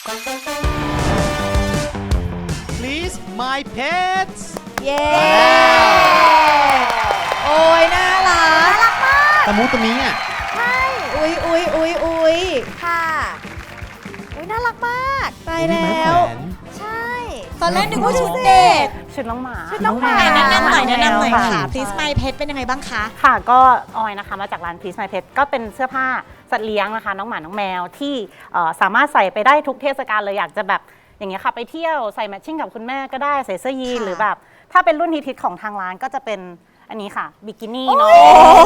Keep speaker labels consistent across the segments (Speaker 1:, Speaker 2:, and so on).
Speaker 1: Please my pets
Speaker 2: เย้โอ้ยน่ารัก
Speaker 1: ตะมุตะมิอ่ะ
Speaker 3: ใช่
Speaker 2: อุ้ย
Speaker 3: ค่ะน่ารักมาก
Speaker 2: ตายแล้ว
Speaker 3: ใช่
Speaker 2: ตอนแรกนึกว่าชุดเด็ก
Speaker 4: ชุดน้องหมา
Speaker 2: แนะนำหน่อยค่ะ Please My Pet เป็นยังไงบ้างคะ
Speaker 4: ค่ะก็ออยนะคะมาจากร้าน Please My Pet ก็เป็นเสื้อผ้าสัตว์เลี้ยงนะคะน้องหมาน้องแมวที่สามารถใส่ไปได้ทุกเทศกาลเลยอยากจะแบบอย่างเงี้ยค่ะไปเที่ยวใส่แมทชิ่งกับคุณแม่ก็ได้ใส่เสื้อยีนหรือแบบถ้าเป็นรุ่นฮิตของทางร้านก็จะเป็นอันนี้ค่ะบิกินี่เนาะ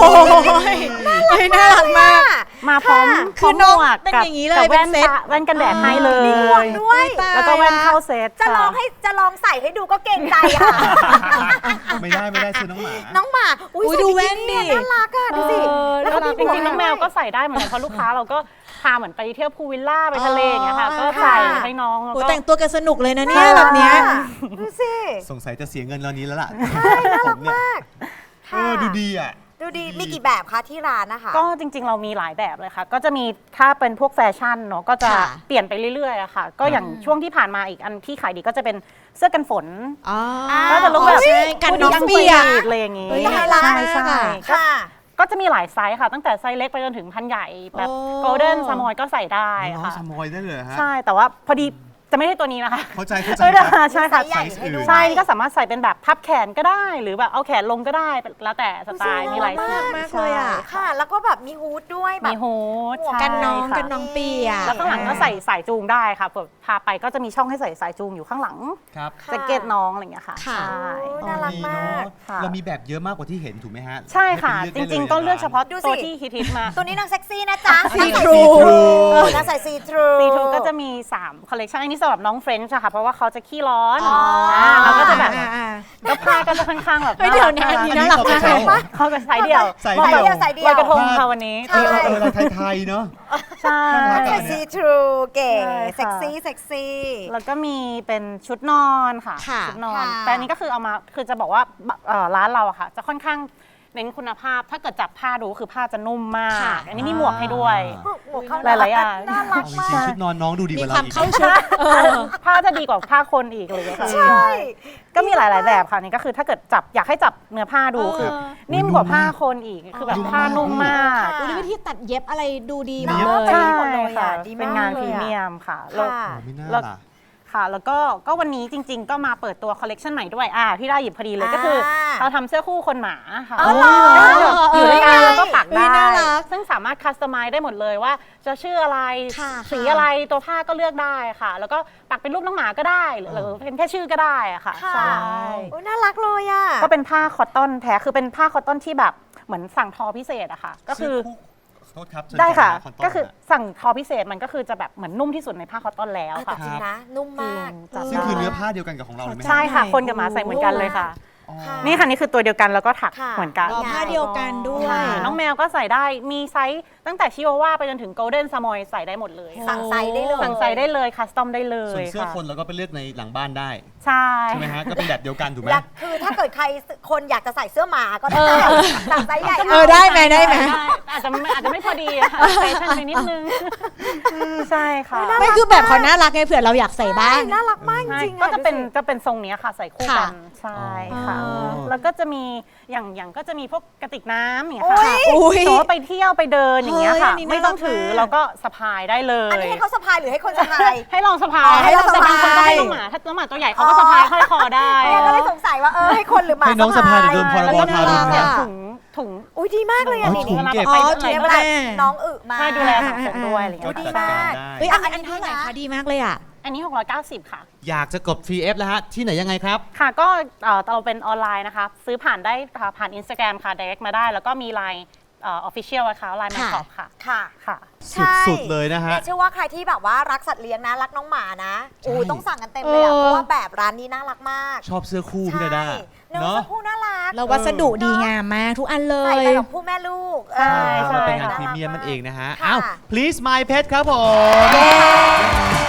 Speaker 2: น่ารักมาก
Speaker 4: มาพร้อม
Speaker 2: คือน้องเป็นอย่างนี้เลย
Speaker 4: แว่นกันแดดให้เลย
Speaker 3: ด้วย
Speaker 4: แล้วก็แว่นเข้าเซต
Speaker 3: จะลองใส่ให้ดูก็เก่งใจค่ะ
Speaker 1: ไม่ได้คือน้อง
Speaker 3: หมา
Speaker 2: อุ้ยดูแว่นดิ
Speaker 3: น่ารักอ่ะดูสิ
Speaker 4: แล้วก็จริงๆน้องแมวก็ใส่ได้เหมือนกันเพราะลูกค้าเราก็พาเหมือนไปเที่ยวพูลวิลล่าไปทะเลอย่างเงี้ยค่ะก็ใส่ให้น้อง
Speaker 2: แต่งตัวกันสนุกเลยนะเนี่ยแบบเนี้ย
Speaker 3: ดูสิ
Speaker 1: สงสัยจะเสียเงินเรานี้แล้วล่ะ
Speaker 3: ใช่น่ารักมาก
Speaker 1: ดูดีอ่ะ
Speaker 3: ดูดีมีกี่แบบคะที่ร้านนะคะ
Speaker 4: ก็จริงๆเรามีหลายแบบเลยค่ะก็จะมีถ้าเป็นพวกแฟชั่นเนาะก็จะเปลี่ยนไปเรื่อยๆอะค่ะก็อย่างช่วงที่ผ่านมาอีกอันที่ขายดีก็จะเป็นเสื้อกันฝนก็จะลุกแบบ
Speaker 2: กันน้องเปียก
Speaker 4: อะไรอย่างงี้
Speaker 2: ใช่
Speaker 4: ก็จะมีหลายไซส์ค่ะตั้งแต่ไซส์เล็กไปจนถึงพันใหญ่แบบโกลเด้นซามอยก็ใส่ได้ค่ะ
Speaker 1: ซามอยได้เลยฮะ
Speaker 4: ใช่แต่ว่าพอดีจะไม่ใช่ตัวนี้นะคะ
Speaker 1: เข้าใจ
Speaker 4: ใช่ค่ะใช่ก็สามารถใส่เป็นแบบพับแขนก็ได้หรือแบบเอาแขนลงก็ได้แล้วแต่สไตล์มีหลายสี
Speaker 2: มากเลยอ่ะ
Speaker 3: ค่ะแล้วก็แบบมีฮูดด้วยแบบ
Speaker 4: มีฮูด
Speaker 2: กันน้องเปีย
Speaker 4: แล้วข้างหลังก็ใส่สายจูงได้ค่ะพาไปก็จะมีช่องให้ใส่สายจูงอยู่ข้างหลังแจ็คเก็ตน้องอะไรอย่างเงี้ยค่ะ
Speaker 3: ใช่น่ารักมาก
Speaker 1: เรามีแบบเยอะมากกว่าที่เห็นถูกไหมฮะ
Speaker 4: ใช่ค่ะจริงๆก็เลือกเฉพาะตัวที่ฮิตมา
Speaker 3: ตัวนี้นางเซ็กซี่นะจ๊ะ
Speaker 2: ซีทรู
Speaker 3: นางใส่ซีทรู
Speaker 4: ก็จะมี3คอลเลคชันอันนี้สำหรับน้องเฟรนช์ค่ะเพราะว่าเขาจะขี้ร้อนเราก็จะแบบแล้วผ้าก็จะค่อนข้างแบบ
Speaker 2: เดี๋ยวนี้น่ารักมาก
Speaker 4: เขาจะใส่เดี่ยวลอยกระทงค่ะวันนี้
Speaker 1: ไทยเนาะ
Speaker 4: ใช่
Speaker 3: ซีทรูเก๋เซ็กซี่
Speaker 4: แล้วก็มีเป็นชุดนอนค่ะชุดนอนแต่อันนี้ก็คือเอามาคือจะบอกว่าร้านเราอะค่ะจะค่อนข้างเน้นคุณภาพถ้าเกิดจับผ้าดูคือผ้าจะนุ่มมากอันนี้มีหมวกให้ด้วยหลายๆอย่าง
Speaker 3: น่ารักมาก
Speaker 1: ชุดนอนน้องดูดีกว่าเราอีก
Speaker 4: ผ้าจะดีกว่าผ้าคนอีกเลยค่ะ
Speaker 3: ใช่
Speaker 4: ก็มีหลายๆแบบค่ะนี่ก็คือถ้าเกิดจับอยากให้จับเนื้อผ้าดูคือนิ่มกว่าผ้าคนอีกคือแบบผ้านุ่มมาก
Speaker 2: ดูวิธีตัดเย็บอะไรดูดีมาก
Speaker 4: เลยใช่ค่ะเป็นงานพรีเมียมค่ะแล้วค่ะแล้วก็วันนี้จริงๆก็มาเปิดตัวคอลเลกชันใหม่ด้วยพี่ได้หยิบพอดีเลยก็คือเราทำเสื้อคู่คนหมาค่ะอยู่ด้วยกันแล้วก็ปักได้ซึ่งสามารถคัสตอมไมซ์ได้หมดเลยว่าจะชื่ออะไรสีอะไรตัวผ้าก็เลือกได้ค่ะแล้วก็ปักเป็นรูปน้องหมาก็ได้หรือเป็นแค่ชื่อก็ได้ค่ะ
Speaker 3: ใช่น่ารักเลยอ่ะ
Speaker 4: ก็เป็นผ้าคอตตอนแท้คือเป็นผ้าคอตตอนที่แบบเหมือนสั่งทอพิเศษอะค่ะก็คือได้ค่ะก็คือสั่งทอพิเศษมันก็คือจะแบบเหมือนนุ่มที่สุดในผ้าคอตตอนแล้วค่ะ
Speaker 3: จริงนะนุ่มมาก
Speaker 1: ซึ่งคือเนื้อผ้าเดียวกันกับของเราเลยไหม
Speaker 4: ใช่ค่ะคนกับหมาใส่เหมือนกันเลยค่ะนี่ค่ะนี่คือตัวเดียวกันแล้วก็ถักเหมือนกัน
Speaker 2: ผ้าเดียวกันด้วย
Speaker 4: น้องแมวก็ใส่ได้มีไซส์ตั้งแต่ชิวาว่าไปจนถึงโกลเด้นซามอยใส่ได้หมดเลย
Speaker 3: สั่งไซส์ได้
Speaker 4: เลยคัสตอมได้เลย
Speaker 1: ส่วนเสื้อคนเราก็ไปเลือกในหลังบ้านได้
Speaker 4: ใช่
Speaker 1: ไหมฮะก็เป็นแบบเดียวกันถูกไหม
Speaker 3: คือถ้าเกิดใครคนอยากจะใส่เสื้อหมาก็ได้สั่งไซส์ใหญ่
Speaker 2: ได้ไหม
Speaker 4: อาจจะไม่พอดีค่ะแฟชั่นไปนิดนึงใช่ค่ะ
Speaker 2: ไม่คือแบบเขาน่ารักไงเผื่อเราอยากใส่บ้าง
Speaker 3: น่ารักมากจริง
Speaker 4: ก็จะเป็นทรงนี้ค่ะใส่คู่กันใช่ค่ะแล้วก็จะมีอย่างก็จะมีพวกกระติกน้ำอย่างเงี้ยค่ะโต๊ะไปเที่ยวไปเดินอย่างเงี้ยค่ะไม่ต้องถือเราก็สะพายได้เลย
Speaker 3: อันนี้ให้เขาสะพายหรือให้คนสะพาย
Speaker 4: ให้ลองสะพาย
Speaker 3: ให้ลองสะพาย
Speaker 4: คนก็ให้น้องหมาถ้าน้องหมาตัวใหญ่เขาก็สะพายห้อยคอได้
Speaker 3: ก็เลยสงสัยว่าให้คนหรือหมา
Speaker 1: ให้น้องสะพายเดินพรบทารุณ
Speaker 4: ถุง
Speaker 3: อุ้ยดีมากเลยอ่ะนี่
Speaker 1: ถุงเก็บ
Speaker 3: เวลาน้องมา
Speaker 4: ให้ดูแลสังคมด้วยอะไรอย่างเงี้ย
Speaker 3: ดีมาก
Speaker 2: อันเท่าไหร่คะดีมากเลยอ่ะ
Speaker 4: อันนี้690ค่ะ
Speaker 1: อยากจะกด 3F แล้วฮะที่ไหนยังไงครับ
Speaker 4: ค่ะก็เราเป็นออนไลน์นะคะซื้อผ่านได้ผ่าน Instagram ค่ะ direct มาได้แล้วก็มีไลน์official นะคะไลน์แมนช็อปค่ะ
Speaker 1: สุดเลยนะฮะ
Speaker 3: เชื่อว่าใครที่แบบว่ารักสัตว์เลี้ยงนะรักน้องหมานะต้องสั่งกันเต็มเลยเพราะว่าแบบร้านนี้น่ารักมาก
Speaker 1: ชอบเสื้อคู่พี่ดาด้า
Speaker 3: เนาะเสื้อคู่น่ารัก
Speaker 2: แล้ววัสดุดีงามมากทุกอันเลย
Speaker 3: ใส่กับผู้แม่ลูก
Speaker 1: ใช่เป็นงานพรีเมียมมันเองนะฮะอ้าว please my pet ครับผม